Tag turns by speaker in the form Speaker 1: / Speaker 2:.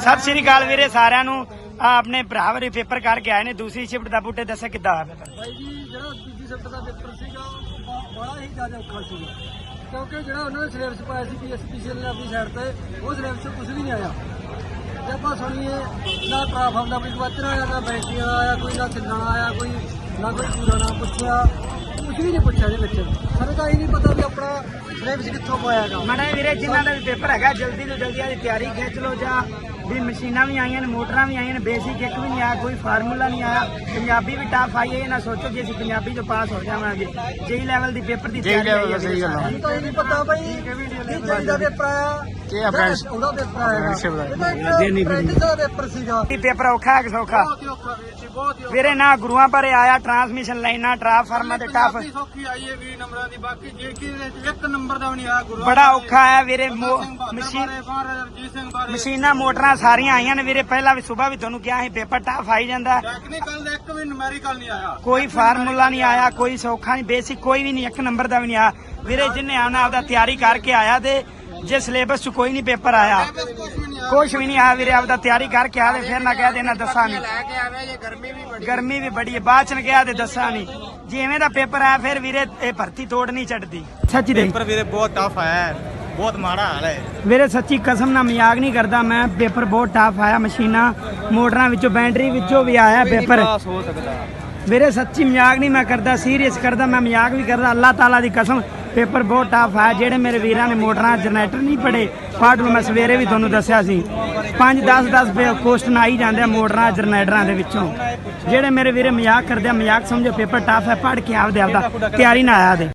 Speaker 1: सत श्री अकाल वीरे सारिਆਂ ਨੂੰ अपने भरा वाले पेपर करके आए ने दूसरी शिफ्ट का बूटे दस कि
Speaker 2: भाई जी जो दूसरी शिफ्ट का पेपर बड़ा ही ज्यादा औखा सीगा क्योंकि जो उन्होंने सिलेबस पाया PSPCL ने अपनी साइड से वो सिलेबस कुछ भी नहीं आया जब आप सुनिए ना ट्राफार्म का कोई क्वेश्चन आया ना बैंकिंग आया कोई ना छिलना आया कोई ना कोई पूरा ना पूछा कुछ भी नहीं पूछा जी बच्चे सर का ही नहीं पता भी अपना सिलेबस कितों पाया
Speaker 1: माड़ा वीरे जिन्हों का भी पेपर है जल्दी तो जल्दी तैयारी खिंच लो जा भी मशीना भी आई ने मोटर भी आई ने बेसिक एक भी नहीं आया कोई फार्मूला नहीं आया पंजाबी भी टफ आई है ना सोचो कि असं पंजाबी जो पास हो जावांगे जेई लेवल की पेपर की तैयारी सही गल
Speaker 2: तो नहीं पता भाई जेई दा पेपर आया ਉਹਦਾ ਪੇਪਰ ਆਇਆ
Speaker 1: पेपर औखा है कि सौखा ਵੀਰੇ ਨਾ ਗੁਰੂਆਂ ਪਰ ਆਇਆ ਟਰਾਂਸਮਿਸ਼ਨ ਲਾਈਨਾਂ ਟਰਾਂਸਫਾਰਮਰ ਤੇ ਟਫ
Speaker 2: ਸੌਖੀ ਆਈ ਹੈ 20 ਨੰਬਰਾਂ ਦੀ ਬਾਕੀ ਜੇ ਕਿ ਇੱਕ ਨੰਬਰ ਦਾ ਵੀ ਨਹੀਂ ਆਇਆ ਗੁਰੂ
Speaker 1: ਬੜਾ ਔਖਾ ਹੈ ਵੀਰੇ ਮਸ਼ੀਨਾਂ ਮੋਟਰਾਂ ਸਾਰੀਆਂ ਆਈਆਂ ਨੇ ਵੀਰੇ ਪਹਿਲਾਂ ਵੀ ਸਵੇਰ ਵੀ ਤੁਹਾਨੂੰ ਕਿਹਾ ਸੀ ਪੇਪਰ ਟਫ ਆਈ ਜਾਂਦਾ
Speaker 2: ਟੈਕਨੀਕਲ ਦਾ ਇੱਕ ਵੀ ਨੂਮੈਰੀਕਲ ਨਹੀਂ ਆਇਆ
Speaker 1: ਕੋਈ ਫਾਰਮੂਲਾ ਨਹੀਂ ਆਇਆ ਕੋਈ ਸੌਖਾ ਨਹੀਂ ਬੇਸਿਕ ਕੋਈ ਵੀ ਨਹੀਂ ਇੱਕ ਨੰਬਰ ਦਾ ਵੀ ਨਹੀਂ ਆਇਆ ਵੀਰੇ ਜਿੰਨੇ ਆਉਣਾ ਆਪਦਾ ਤਿਆਰੀ ਕਰਕੇ ਆਇਆ ਤੇ ਜੇ ਸਿਲੇਬਸ ਚ ਕੋਈ ਨਹੀਂ ਪੇਪਰ ਆਇਆ ਕੁਛ ਵੀ ਨਹੀਂ ਆਇਆ ਵੀਰੇ ਆਪਦਾ ਤਿਆਰੀ ਕਰਕੇ ਆਵੇ ਫਿਰ ਨਾ ਕਹਿ ਦੇਣਾ ਦੱਸਾਂ ਨਹੀਂ ਗਰਮੀ ਵੀ ਬੜੀ ਹੈ ਬਾਅਦ ਚ ਕਿਹਾ ਤੇ ਦੱਸਾਂ ਨਹੀਂ ਜਿਵੇਂ ਦਾ ਪੇਪਰ ਆਇਆ ਫਿਰ ਵੀਰੇ ਇਹ ਭਰਤੀ ਤੋੜ ਨਹੀਂ ਛੱਡਦੀ ਸੱਚੀ ਦੇ
Speaker 3: पेपर ਵੀਰੇ ਬਹੁਤ ਟਫ ਆਇਆ ਹੈ ਬਹੁਤ ਮਾੜਾ ਹਾਲ ਹੈ
Speaker 1: ਵੀਰੇ ਸੱਚੀ ਕਸਮ ਨਾਲ ਮਜ਼ਾਕ ਨਹੀਂ ਕਰਦਾ ਮੈਂ ਪੇਪਰ ਬਹੁਤ ਟਫ ਆਇਆ ਮਸ਼ੀਨਾਂ ਮੋਟਰਾਂ ਵਿੱਚੋਂ ਬੈਟਰੀ ਵਿੱਚੋਂ ਵੀ ਆਇਆ ਪੇਪਰ
Speaker 3: ਹੋ ਸਕਦਾ
Speaker 1: ਵੀਰੇ ਸੱਚੀ ਮਜ਼ਾਕ ਨਹੀਂ ਮੈਂ ਕਰਦਾ ਸੀਰੀਅਸ ਕਰਦਾ ਮੈਂ ਮਜ਼ਾਕ ਵੀ ਕਰਦਾ ਅੱਲਾਹ ਤਾਲਾ ਦੀ ਕਸਮ ਪੇਪਰ ਬਹੁਤ ਟਫ ਹੈ ਜਿਹੜੇ ਮੇਰੇ ਵੀਰਾਂ ਨੇ ਮੋਟਰਾਂ ਜਨਰੇਟਰ ਨਹੀਂ ਪੜੇ ਪਾਠ ਨੂੰ ਮੈਂ ਸਵੇਰੇ ਵੀ ਤੁਹਾਨੂੰ ਦੱਸਿਆ ਸੀ 5-10 ਕੁਐਸਚਨ ਆਈ ਜਾਂਦੇ ਆ ਮੋਟਰਾਂ ਜਨਰੇਟਰਾਂ ਦੇ ਵਿੱਚੋਂ ਜਿਹੜੇ ਮੇਰੇ ਵੀਰੇ ਮਜ਼ਾਕ ਕਰਦੇ ਆ ਮਜ਼ਾਕ ਸਮਝੋ ਪੇਪਰ ਟਫ ਹੈ ਪੜ੍ਹ ਕੇ ਆਪਦਾ ਤਿਆਰੀ ਨਾ ਆਇਆ ਦੇ